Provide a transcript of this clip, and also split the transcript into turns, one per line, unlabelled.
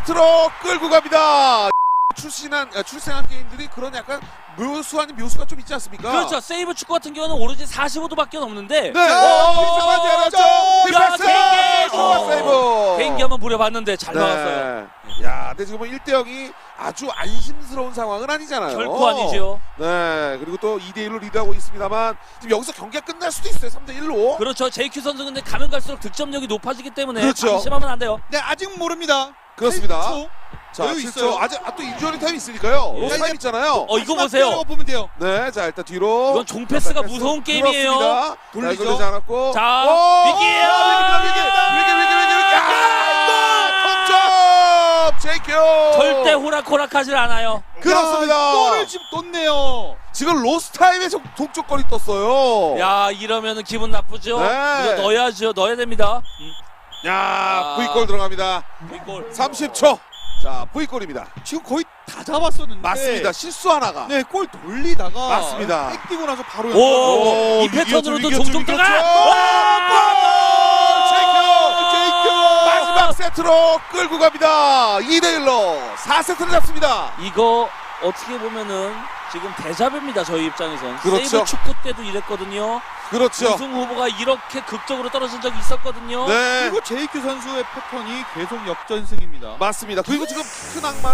4세트로 끌고 갑니다. 출생한 게임들이 그런 약간 묘수 아닌 묘수가 좀 있지 않습니까?
그렇죠. 세이브 축구 같은 경우는 오로지 45도밖에 없는데.
네. 잡아지 않았죠.
개인기!
세이브.
개인기 한번 부려봤는데 잘 막았어요.
야, 근데 지금 1대0이 아주 안심스러운 상황은 아니잖아요.
결코 아니죠.
네, 그리고 또 2대1로 리드하고 있습니다만 지금 여기서 경기가 끝날 수도 있어요. 3대1로.
그렇죠. JQ 선수 근데 가면 갈수록 득점력이 높아지기 때문에
그렇죠.
방심하면 안 돼요.
네, 아직 모릅니다.
그렇습니다.
8초.
자,
여유
7초.
있어요.
아직 또 인조리 타임 있으니까요.
예.
로스 타임 있잖아요.
이거 보세요.
보면 돼요.
네, 자 일단 뒤로.
이건 종패스가 무서운 게임이에요.
그렇습니다.
돌리죠.
되지 않았고.
자,
오!
위기예요.
위기. 아, 동점! JQ.
절대 호락호락하질 않아요.
그렇습니다.
골을 지금 떴네요.
지금 로스 타임에 동쪽거리 떴어요.
야, 이러면은 기분 나쁘죠?
네.
이거 넣어야죠. 넣어야 됩니다.
야, V골 들어갑니다.
빅골.
30초. 자, V골입니다.
지금 거의 다 잡았었는데.
맞습니다. 실수 하나가.
네, 골 돌리다가
맞습니다.
백 뛰고 나서 바로
오, 이
이겼죠,
패턴으로도
이겼죠,
종종
이겼죠.
들어가!
JQ 마지막 세트로 끌고 갑니다. 2대1로 4세트를 잡습니다.
이거 어떻게 보면은 지금 대자뷰입니다. 저희 입장에선.
그렇죠.
세이브 축구 때도 이랬거든요.
그렇죠.
우승 후보가 이렇게 극적으로 떨어진 적이 있었거든요.
네,
그리고 JQ 선수의 패턴이 계속 역전승입니다.
맞습니다. 그리고 지금 큰 악마